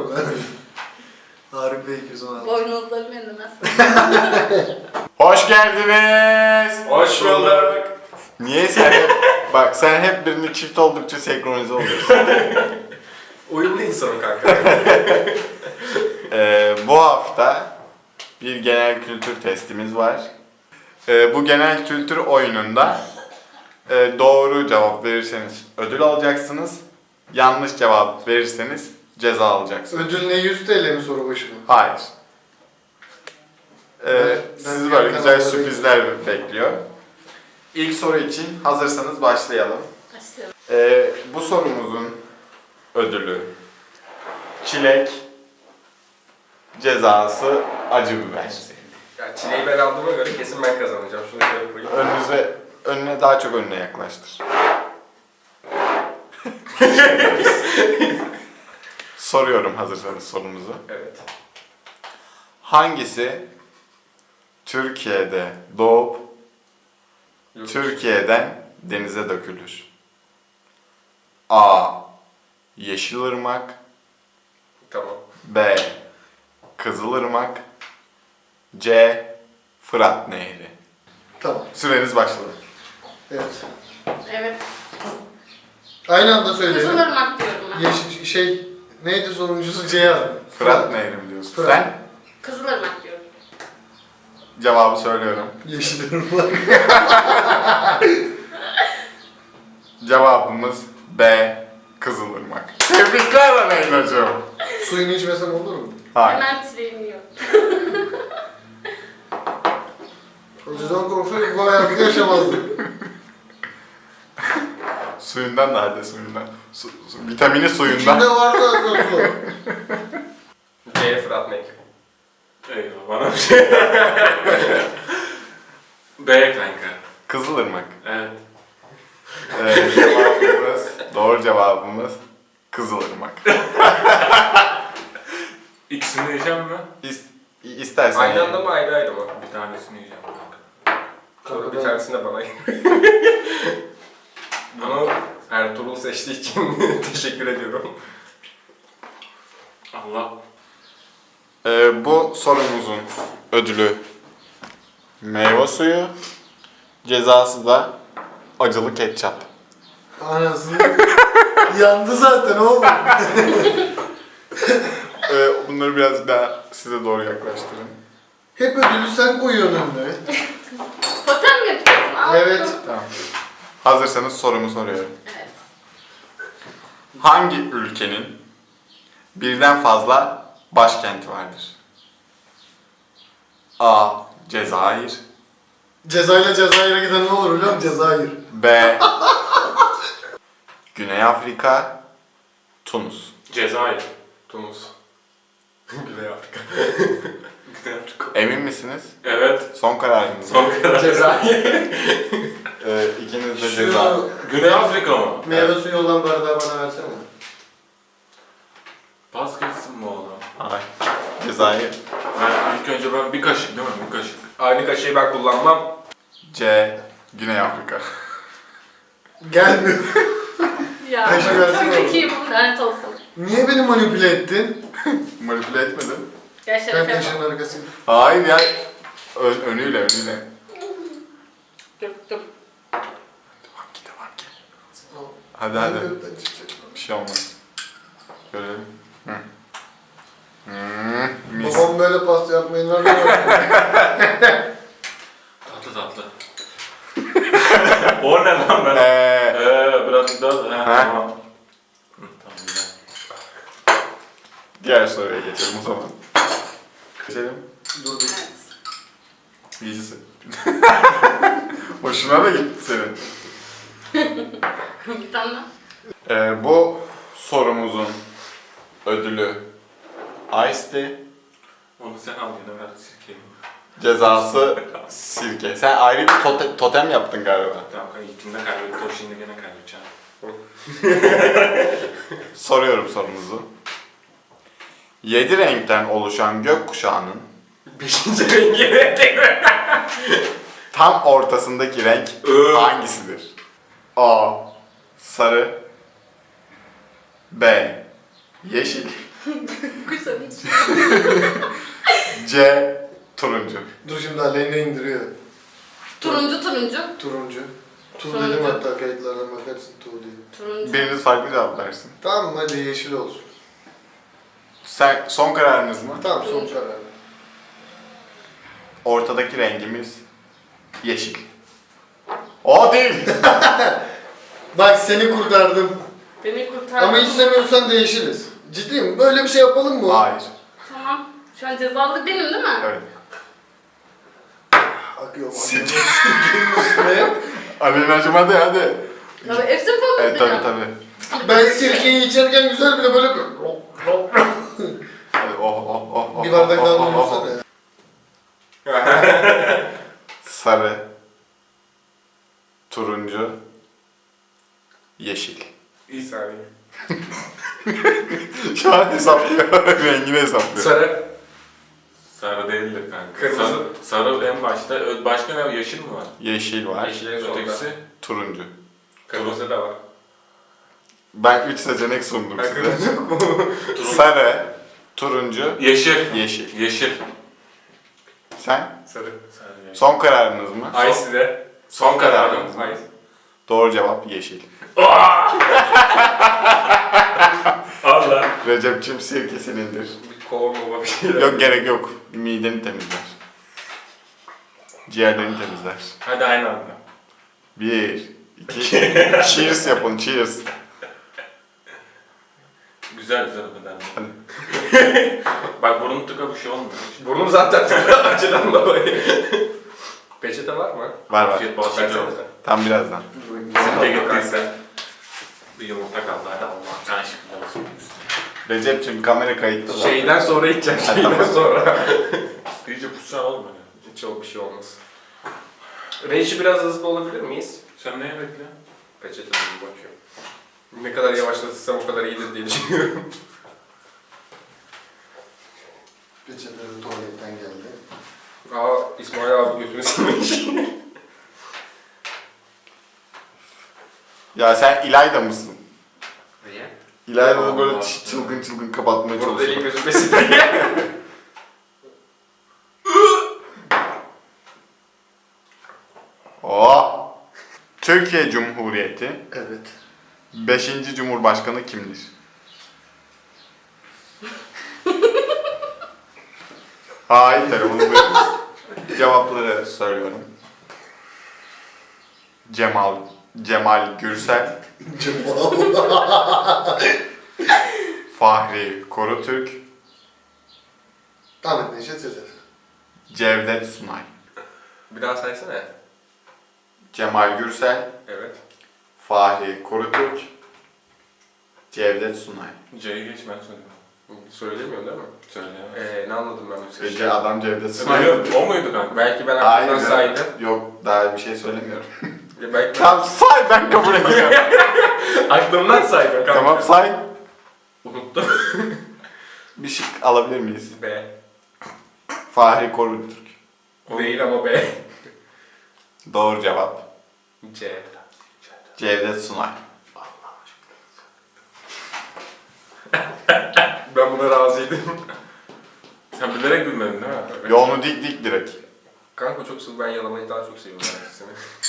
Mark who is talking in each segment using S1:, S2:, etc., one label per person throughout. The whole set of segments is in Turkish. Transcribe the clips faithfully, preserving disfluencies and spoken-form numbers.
S1: orada. Harbi Bey iki yüz on altı.
S2: Boynuzlarım endemez.
S3: Hoş geldiniz.
S4: Hoş bulduk.
S3: Niye sen hep, bak sen hep birini çift oldukça senkronize oluyorsun.
S4: Uyumlu insanım kanka.
S3: Ee, bu hafta bir genel kültür testimiz var. Ee, bu genel kültür oyununda e, doğru cevap verirseniz ödül alacaksınız. Yanlış cevap verirseniz ceza alacaksınız.
S1: Ödül ne, yüz TL mi soru başı mı?
S3: Hayır. Ee,
S1: Ben- ben
S3: sizi
S1: bir
S3: böyle
S1: yandan
S3: güzel
S1: oraya
S3: sürprizler bekliyor. İlk soru için hazırsanız başlayalım.
S2: Başlayalım.
S3: Ee, bu sorumuzun ödülü çilek, cezası acı biber.
S4: Ya çileği ben aldığıma göre kesin ben kazanacağım. Şunu şöyle koyayım.
S3: Önünüze, önüne daha çok önüne yaklaştır. Soruyorum hazırsanız sorumuzu.
S4: Evet.
S3: Hangisi Türkiye'de doğup
S4: Yok.
S3: Türkiye'den denize dökülür? A. Yeşilırmak,
S4: Tamam.
S3: B. Kızılırmak, C. Fırat Nehri.
S1: Tamam.
S3: Süreniz başladı.
S1: Evet.
S2: Evet.
S1: Aynı anda söyleyelim.
S2: Kızılırmak diyorum ben.
S1: Yeşil şey neydi sonuncusu C yazdı.
S3: Fırat Nehri mi diyorsun?
S1: Fırat.
S3: Sen
S2: Kızılırmak diyorum.
S3: cevabı söylüyorum.
S1: Yeşil ırmak.
S3: Cevabımız B. Kızılırmak. Tebrikler Aleyna'cığım.
S1: Suyunu içmesem olur mu?
S3: Hayır.
S2: Hemen çileğimi yiyorum.
S1: Acıdan korksaydık bu hayatı yaşamazdık.
S3: Suyundan da hadi suyundan. Su, su, vitamini suyundan.
S1: İçinde var zaten su.
S4: C Fırat Nehri.
S5: Eyvah bana bir şey. B kanka.
S3: Kızılırmak.
S5: Evet.
S3: Ee, cevabımız, doğru cevabımız Kızılırmak.
S5: İkisini yiyeceğim mi?
S3: İs, istersen
S4: Aynı
S3: ye.
S4: anda mı ayrı ayrı mı?
S5: Bir tanesini yiyeceğim kanka.
S4: Sonra bir tanesini de bana Bunu Ertuğrul seçtiği için teşekkür ediyorum.
S5: Allah.
S3: Ee, bu sorumuzun ödülü meyve suyu, cezası da acılı ketçap.
S1: Anasını. Yandı zaten oğlum.
S3: Ee, bunları biraz daha size doğru yaklaştırın.
S1: Hep ödülü sen koyuyorsun önüne.
S2: Totem mi yapıyorsun? Al.
S1: Evet.
S3: Tamam. Hazırsanız sorumu soruyorum.
S2: Evet.
S3: Hangi ülkenin birden fazla başkenti vardır? A. Cezayir,
S1: Cezayir'le Cezayir'e giden ne olur biliyor musun? Cezayir.
S3: B. Güney Afrika, Tunus.
S5: Cezayir.
S4: Tunus. Güney Afrika.
S5: Güney Afrika.
S3: Emin misiniz?
S5: Evet.
S3: Son kararınız mı?
S5: Son kadar.
S4: Cezayir.
S3: Ee, ikiniz de ceza.
S1: Şu
S5: Güney Afrika mı?
S1: meyve suyu olan bardağı bana versene.
S5: Pas geçsin mi oğlum?
S3: Hayır. Cezayir.
S5: Ben ilk önce ben bir kaşık değil mi? Bir kaşık.
S4: Aynı kaşığı ben kullanmam.
S3: C. Güney Afrika.
S1: Gelmiyor.
S2: Ya.
S1: Kaşı versene
S2: Çok
S1: oğlum.
S2: zekiyim. Lanet olsun.
S1: Niye beni manipüle ettin?
S3: Manipüle etmedim.
S2: Gel
S1: Ben
S2: şerefe
S1: kaşın
S2: bak.
S1: arkasıyım.
S3: Hayır ya. Ön, önüyle önüyle.
S2: Dur dur.
S3: Devam ki devam ki. Hadi hadi. Bir şey olmaz. Görelim. Hı. Hmm, mis.
S1: Babam böyle pasta yapmayı nerede
S5: Tatlı tatlı. O ne lan ben?
S3: Ee,
S5: Eee biraz daha. He
S3: Ha?
S5: tamam. Hı, tamam güzel.
S3: diğer soruya geçelim o zaman. Geçelim.
S1: Dur bir.
S2: Evet.
S3: İyisi. Hoşuna da gitti senin.
S2: Bir tane daha.
S3: Ee, bu sorumuzun ödülü Ice Tea,
S5: Onu sen al yine ver sirkeyi.
S3: cezası sirke. Sen ayrı bir tote- totem yaptın galiba.
S5: Tamam kanka ilkinde kaybettik. O şimdi gene kaybedeceğim.
S3: Soruyorum sorumuzu. Yedi renkten oluşan gökkuşağının
S4: Beşinci rengi ne?
S3: tam ortasındaki renk
S5: Iı.
S3: hangisidir? A. Sarı, B. Yeşil,
S2: Kuşların içi.
S3: C. Turuncu.
S1: Dur şimdi Aleyna indiriyor.
S2: Turuncu turuncu.
S1: Turuncu. Tu
S2: Turuncu.
S1: dedim hatta kayıtlardan bakarsın tu diye.
S2: Turuncu.
S3: Biriniz farklı cevap versin.
S1: Tamam hadi yeşil olsun.
S3: Sen son kararınız mı?
S1: Tamam son karar.
S3: Ortadaki rengimiz yeşil. O değil.
S1: Bak seni kurtardım.
S2: Beni kurtardın.
S1: Ama istemiyorsan değişiriz. Ciddiyim. Böyle bir şey yapalım mı?
S3: Hayır.
S2: Tamam. Şu an cezalı benim değil mi?
S3: Evet.
S1: Akıyor.
S3: Sil-
S1: Sirkenin üstüne.
S3: Alenacığım hadi hadi.
S2: Tabii hepsini falan
S3: Evet
S2: bileceğim.
S3: tabii tabii.
S1: Ben sirkeyi içerken güzel bile böyle bir...
S3: Hadi oh oh oh oh.
S1: Bir bardak
S3: oh,
S1: daha
S3: oh, oh,
S1: doldursana ya.
S3: Sarı. Turuncu. Yeşil.
S4: İyi saniye.
S3: Şu an hesaplıyor. Rengini hesaplıyor.
S4: Sarı.
S5: Sarı değildir kanka.
S4: Kırmızı.
S5: Sarı, sarı en başta. Ö- Başka ne? Yeşil mi var?
S3: Yeşil var.
S4: Yeşil en sonda.
S5: Ötekisi.
S3: Turuncu.
S4: Kırmızı da var.
S3: Ben üç seçenek sundum
S4: Ben
S3: size.
S4: kırmızı yok mu?
S3: Sarı. Turuncu.
S5: Yeşil.
S3: Yeşil.
S5: Yeşil.
S3: Sen?
S4: Sarı.
S5: Sarı yeşil.
S3: Son kararınız mı?
S4: Ay size.
S3: Son kararınız mı?
S4: Ay.
S3: Doğru cevap yeşil.
S5: Allah.
S3: Recep'cim sirke senindir.
S4: Bir kovurma bir şeyler.
S3: Yok gerek yok. Mideni temizler. Ciğerlerini temizler.
S5: Hadi aynı anda.
S3: Bir, iki, cheers yapın, cheers.
S5: Güzel güzel o kadar.
S3: Hadi.
S5: Bak burun tıka bir şey olmuyor.
S4: Burnum zaten acıdan dolayı. Peçete var mı?
S3: Var var.
S5: Afiyet bol şeker olsun.
S4: Versenize.
S3: Tam birazdan.
S5: Sirke gittiyse. Bir yumurta kaldı hadi Allah'ım sen şıkkı olsun.
S3: Recep'cim kamera kayıtta. zaten.
S4: Şeyden sonra içeceğim.
S3: Ha,
S4: Şeyden
S3: tamam.
S4: sonra.
S5: İyice pussan oğlum hani.
S4: Hiç çok bir şey olmaz. Range'i biraz hızlı olabilir miyiz?
S5: Sen neye bekliyorsun?
S4: Peçete bir bakıyorum. Ne kadar yavaşlatırsam o kadar iyidir diye düşünüyorum.
S1: Peçete de tuvaletten geldi.
S4: Aa İsmail abi götünü silmiş.
S3: Ya sen İlayda mısın?
S4: Niye?
S3: İlayda da böyle
S5: Allah.
S3: ç- çılgın çılgın kapatmaya
S4: Burada deliğin
S3: çalışıyor.
S4: gözünde silmiş.
S3: Oo. Türkiye Cumhuriyeti
S1: Evet.
S3: beşinci Cumhurbaşkanı kimdir? Hayır, telefonu buyurun. Cevapları söylüyorum. Cemal, Cemal Gürsel,
S1: Cemal.
S3: Fahri Korutürk,
S1: Ahmet Neşet Sezer.
S3: Cevdet Sunay.
S4: Bir daha saysana.
S3: Cemal Gürsel,
S4: Evet.
S3: Fahri Korutürk, Cevdet Sunay.
S5: C'yi geç ben söyleyeyim.
S4: Söylemiyorsun değil mi?
S5: Söyleyemez.
S4: Ee, ne anladım ben bu
S3: Gece adam Cevdet Sunay.
S5: Hayır o muydu kanka?
S4: Belki ben
S3: Hayır,
S4: aklımdan saydım.
S3: yok daha bir şey söylemiyorum.
S4: Ya belki ben
S3: Tamam say, ben kabul edeceğim.
S4: aklımdan saydım kanka.
S3: Tamam say.
S4: Unuttum.
S3: Bir şık alabilir miyiz?
S4: B.
S3: Fahri Korutürk.
S4: Değil ama B.
S3: Doğru cevap.
S4: C.
S3: Cevdet Sunay.
S4: Ben buna razıydım.
S5: Sen bilerek gülmedin değil mi?
S3: Yolunu dik dik direkt.
S4: Kanka çok sıvı, ben yalamayı daha çok seviyorum herkesini.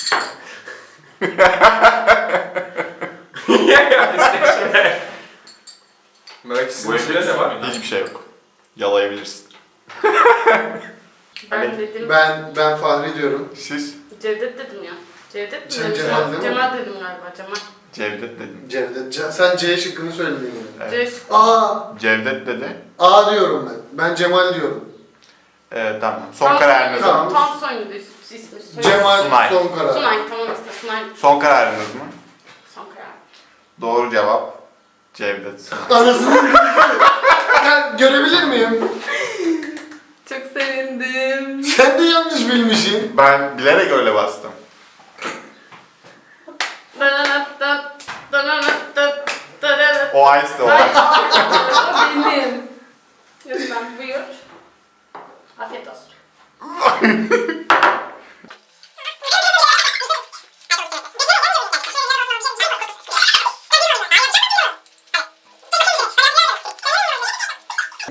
S4: Merak
S5: Bu
S4: içinde ne var?
S3: Hiçbir şey yok. Yalayabilirsin.
S2: Ben
S3: Hani-
S2: dedim.
S1: Ben ben Fahri diyorum.
S3: Siz
S2: Cevdet dedim ya. Cevdet mi?
S1: Sen
S2: dedim?
S1: Cemal değil mi?
S2: Cemal dedim galiba. Cemal.
S3: Cevdet dedim.
S1: Cevdet. Ce- sen C şıkkını söyledin yani.
S3: Evet.
S2: C.
S1: A.
S3: Cevdet dedi.
S1: A diyorum ben. Ben Cemal diyorum.
S3: Ee, tamam. Son
S2: Tam
S3: kararınız mı?
S1: Tamam.
S2: Tam soyundu is- ismi. Soy-
S1: Cemal
S3: Sunay.
S1: son karar.
S2: Sunay tamam işte Sunay.
S3: Son kararınız mı?
S2: Son karar.
S3: Doğru cevap. Cevdet Sunay.
S1: Anasını ben görebilir miyim?
S2: Çok sevindim.
S1: Sen de yanlış bilmişsin.
S3: Ben bilerek öyle bastım.
S2: Dananatat, dananatat, dananatat.
S3: O ice de o.
S2: Hayır, o benim. Lütfen buyur. Afiyet olsun.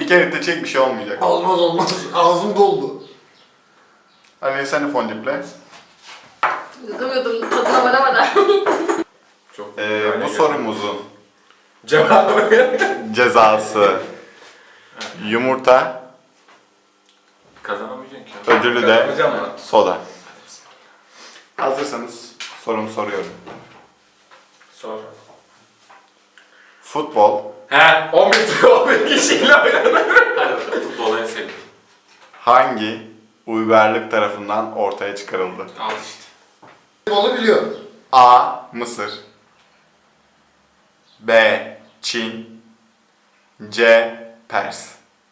S3: Bir kere de çek bir şey olmayacak.
S1: Olmaz olmaz. Ağzım doldu.
S3: Hani sen de fondiple.
S2: Yudum tadına varamadan.
S4: Çok
S3: Ee,
S4: yani
S3: bu
S4: gerçekten.
S3: sorumuzun
S4: Cevabı.
S3: cezası yumurta,
S5: Kazanamayacaksın ki.
S3: ödülü de
S4: Kazanacağım mı?
S3: soda. Hazırsanız sorumu soruyorum.
S5: Sor.
S3: Futbol
S5: He.
S4: on bir on bir kişiyle oynanır.
S5: Hadi bakalım. Futbolu en sevdiğim.
S3: hangi uygarlık tarafından ortaya çıkarıldı?
S5: Al işte.
S1: Onu biliyorum.
S3: A. Mısır B. Çin C. Pers.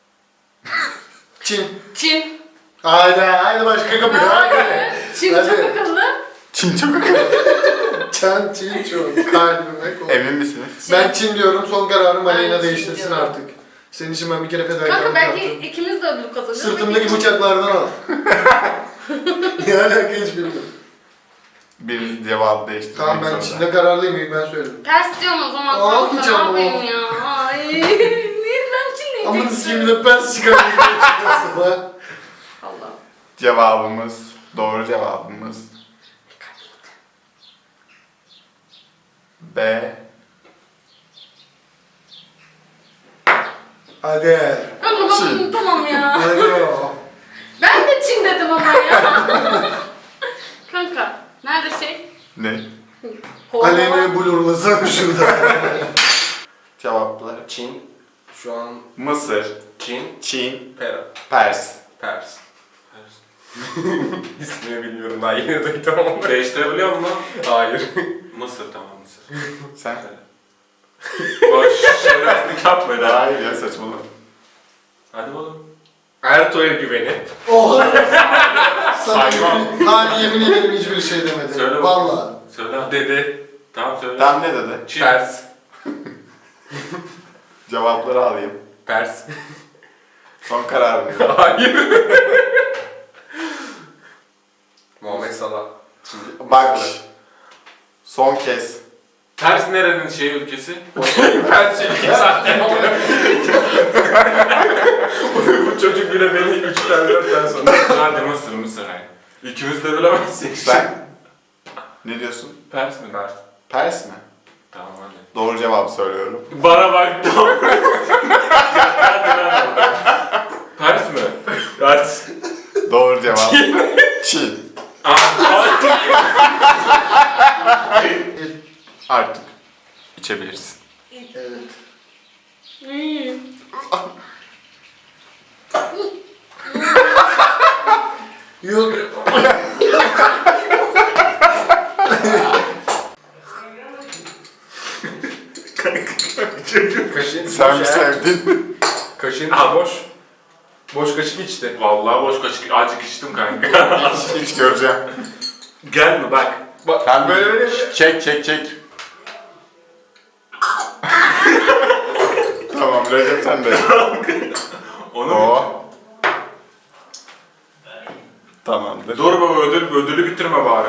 S1: Çin.
S2: Çin.
S1: Haydi haydi başka kapı. Haydi.
S2: Hayır. Çin
S1: Hadi.
S2: çok akıllı.
S3: Çin çok akıllı.
S1: Çan Çin çok. Kalbime koy.
S3: Emin misiniz?
S1: Ben Çin diyorum. Son kararım
S2: Ben
S1: Aleyna
S2: Çin
S1: değiştirsin
S2: diyorum.
S1: artık. Senin için ben bir kere
S2: Kanka
S1: fedakarlık
S2: belki
S1: yaptım.
S2: ikimiz de ödül kazanırız.
S1: Sırtımdaki bıçaklardan al. Ne alaka hiç bilmiyorum.
S3: Biriniz cevabı değiştirmek
S1: Tamam ben
S3: zorunda.
S1: Çin'de kararlıyım ilk ben söyledim.
S2: Ters diyorum o zaman.
S1: Aa,
S2: Kanka
S1: hiç
S2: ne
S1: ama.
S2: yapayım ya? Ay. Niye ben Çin
S1: Ama
S2: diyecektim?
S1: siz gibi de pers çıkarmışsın.
S2: Allah.
S3: Cevabımız, doğru cevabımız B.
S1: Hadi.
S2: Kanka
S3: Çin.
S2: ben tamam ya.
S1: Hadi o.
S2: Ben de Çin dedim ama ya. Kanka nerede şey?
S3: Ne?
S1: Aleyna'yı blurlasam şurada.
S3: Cevaplar.
S4: Çin. Şu an
S3: Mısır,
S4: Çin.
S3: Çin,
S4: Pera.
S3: Pers.
S4: Pers. İsmini bilmiyorum daha yeni duydum ama.
S5: Değiştirebiliyor musun?
S4: Hayır.
S5: Mısır tamam Mısır.
S3: Sen?
S5: Boş şereflik yapma da.
S3: Hayır ya saçmalama.
S5: Hadi oğlum.
S4: Ertuğ'a güvenip.
S1: Oha. Sana
S5: Saymam.
S1: yemin, hayır, yemin ederim hiçbir şey demedim.
S5: Söyle bakayım.
S1: Vallahi.
S5: Söyle.
S4: Dedi.
S5: Tamam söyle.
S3: Tam ne dedi?
S5: Çin.
S4: Pers.
S3: Cevapları alayım.
S4: Pers.
S3: Son kararım.
S4: Hayır. Muhammed Salah. Çin.
S3: Bak. Son kez.
S5: Ters nerenin şey ülkesi?
S4: Pers ülke zaten. Bu çocuk bile beni üç tane dört tane sonra.
S5: Hadi Mısır Mısır hayır. İkimiz de bilemezsek.
S3: Sen? Ne diyorsun?
S5: Pers mi?
S4: Pers.
S3: Pers mi?
S5: Tamam hadi.
S3: Doğru cevabı söylüyorum.
S5: Bana bak tamam. Hadi lan. Pers mi? Pers.
S3: Doğru cevap. Çin. Artık içebilirsin.
S1: Evet.
S2: Hmm.
S1: Yok.
S4: Kaşın
S3: Sen mi
S4: boş ya.
S3: sevdin?
S4: Kaşın
S5: Al.
S4: boş. Boş kaşık içti.
S5: Vallahi boş kaşık acık içtim kanka.
S3: Hiç göreceğim.
S5: Gel mi bak.
S4: Bak
S3: Sen
S4: böyle böyle mi?
S3: Çek çek çek. Tamam Recep sen de.
S5: Onu mu?
S3: O. Tamamdır.
S5: Dur baba ödül, ödülü bitirme bari.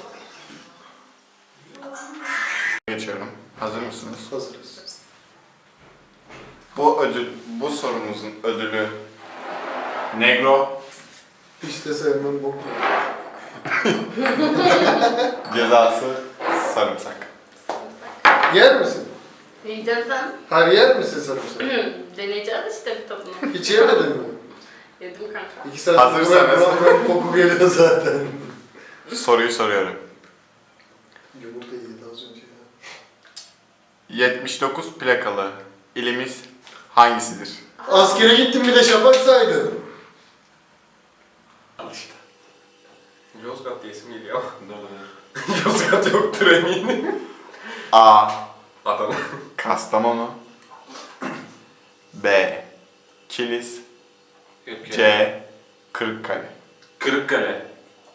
S3: Geçiyorum. Hazır mısınız?
S1: Hazırız.
S3: Bu ödül, bu sorumuzun ödülü Negro,
S1: Hiç de sevmem boku.
S3: cezası sarımsak.
S1: Yer misin?
S2: Yiyeceğim sen.
S1: Hayır yer misin sarımsak?
S2: Hmm, Deneyeceğiz işte bir tadını.
S1: Hiç yemedin mi?
S2: Yedim kanka.
S1: İki saat
S3: Hazırsanız.
S1: buram buram koku geliyor zaten.
S3: Soruyu soruyorum.
S1: Yumurta yedi az önce ya.
S3: yetmiş dokuz plakalı ilimiz hangisidir?
S1: Askere gittim bir de şafak saydım.
S5: Al işte.
S4: Yozgat diye isim geliyor.
S5: Dur dur.
S4: Yozgat yoktur eminim.
S3: A.
S4: Adana.
S3: Kastamonu B. Kilis
S5: Yok ya.
S3: C. Kırıkkale.
S5: Kırıkkale.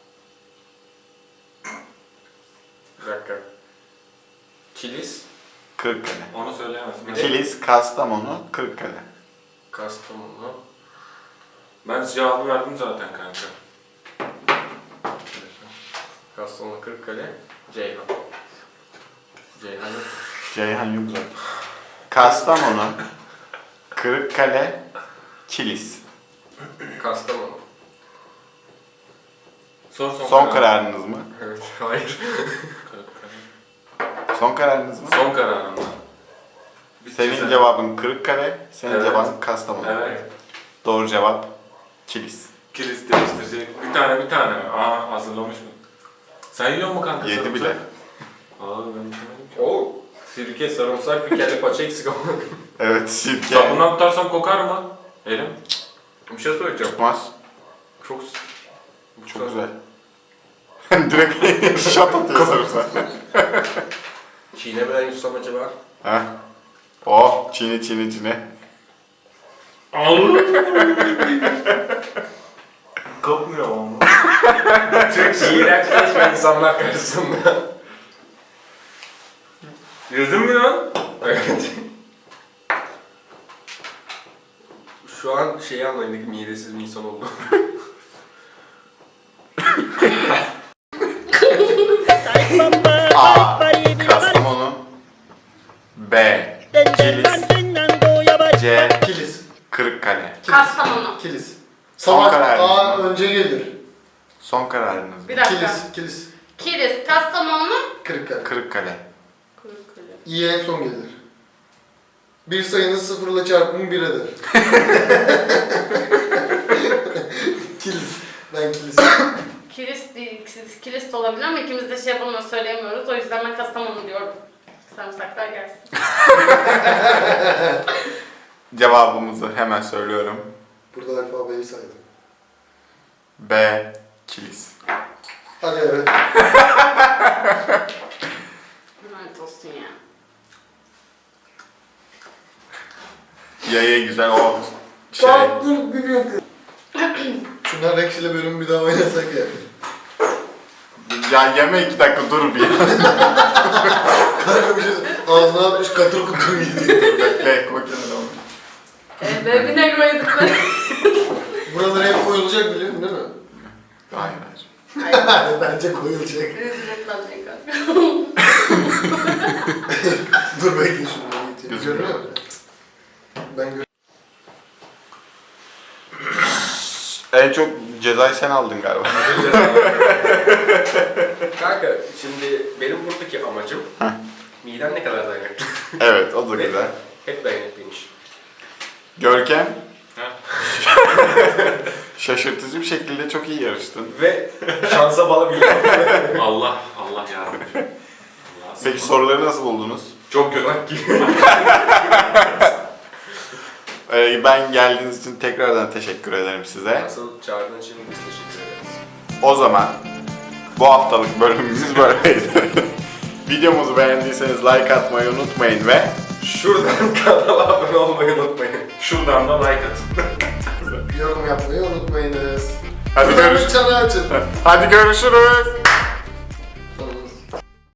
S4: Bir dakika. Kilis.
S3: Kırıkkale.
S5: Onu söyleyemezsin.
S4: Ne?
S3: Kilis, Kastamonu, Kırıkkale.
S4: Kastamonu.
S5: Ben cevabı verdim zaten kanka.
S4: Kastamonu, Kırıkkale. Ceyhan. Ceyhan yok.
S3: Ceyhan yok zaten. Kastamonu, Kırıkkale, Kilis.
S4: Kastamonu.
S5: Sor son,
S3: Son kararınız mı?
S4: Evet. Hayır.
S3: Son kararınız mı?
S5: Son kararım var. Bir
S3: Senin
S5: güzel.
S3: cevabın Kırıkkale, senin
S5: Evet.
S3: cevabın Kastamonu.
S5: Evet.
S3: Doğru cevap Kilis.
S5: Kilis değiştirecek. Bir tane bir tane. Aa hazırlamış mı? Sen yiyor mu kanka?
S3: Yedi
S5: sarımsak?
S3: bile.
S5: Aa ben yemedim ki.
S4: Oo. Sirke, sarımsak, bir kelle paça eksik ama.
S3: Evet, sirke.
S5: Sabundan tutarsam kokar mı? Elim.
S4: Bir şey söyleyeceğim.
S3: Tutmaz.
S4: Çok...
S3: Çok güzel. Direkt şat atıyor sarımsak.
S4: Çiğnemeden yutsam acaba?
S3: Ha? Oh, çiğne çiğne çiğne.
S5: Kopmuyor ama.
S4: Çok iğrençleşme insanlar karşısında.
S5: Yüzüm mü lan?
S4: Evet. Şu an şeyi anlayın, midesiz bir insan oldu.
S3: A. Kastamonu. B. Kilis. C.
S1: Kilis.
S3: Kırıkkale.
S2: Kastamonu.
S1: Kilis.
S3: Son
S1: Salak
S3: kararınız
S1: A
S3: mı?
S1: önce gelir.
S3: Son kararınız mı?
S2: Bir dakika.
S1: Kilis. Kilis.
S2: Kilis, Kastamonu.
S1: Kırıkkale.
S3: Kırıkkale.
S2: Kırıkkale.
S1: İ'ye en son gelir. Bir sayının sıfırla çarpımı bir eder. Kilis. Ben kilis.
S2: Kilis değil, kilis, kilis de olabilir ama ikimiz de şey yapamıyoruz, söyleyemiyoruz. O yüzden ben Kastamonu diyorum. Sarımsaklar gelsin.
S3: Cevabımızı hemen söylüyorum.
S1: Burada alfabeyi saydım.
S3: B. Kilis.
S1: Hadi evet.
S2: Lanet olsun ya.
S3: Yaya güzel o şey.
S1: Tamam dur bir dakika. Şunlar Rex ile bölümü bir daha oynasak ya.
S3: Ya yeme iki dakika dur bir.
S1: Kanka bir şey ağzına atmış katır kutur gidiyor.
S3: Bekle kokenini onu.
S2: Ee, Baby Negro yedik ben.
S1: Buralara hep koyulacak biliyorsun değil mi?
S3: Hayır hayır.
S1: Bence koyulacak.
S2: Rezil etmem kanka.
S1: Dur bekle şunu getireyim.
S3: Gözüküyor.
S1: Görüyor musun? Ben gör.
S3: En çok cezayı sen aldın galiba.
S4: Kanka şimdi benim buradaki amacım midem ne kadar dayanıklı.
S3: Evet o da güzel.
S4: Hep dayanıklıymış.
S3: Görkem
S5: Ha?
S3: şaşırtıcı bir şekilde çok iyi yarıştın.
S4: Ve şansa bağlı bir
S5: Allah, Allah yarabbim. Allah
S3: Peki soruları nasıl buldunuz?
S4: Çok gönak gibi.
S3: Ee, ben geldiğiniz için tekrardan teşekkür ederim size.
S4: Asıl çağırdığın için biz teşekkür ederiz.
S3: O zaman bu haftalık bölümümüz böyleydi. Videomuzu beğendiyseniz like atmayı unutmayın ve
S4: Şuradan kanala abone olmayı unutmayın.
S5: Şuradan da like atın.
S1: Yorum yapmayı unutmayınız.
S3: hadi,
S1: Buradan
S3: görüş
S1: bir çana açın.
S3: hadi görüşürüz.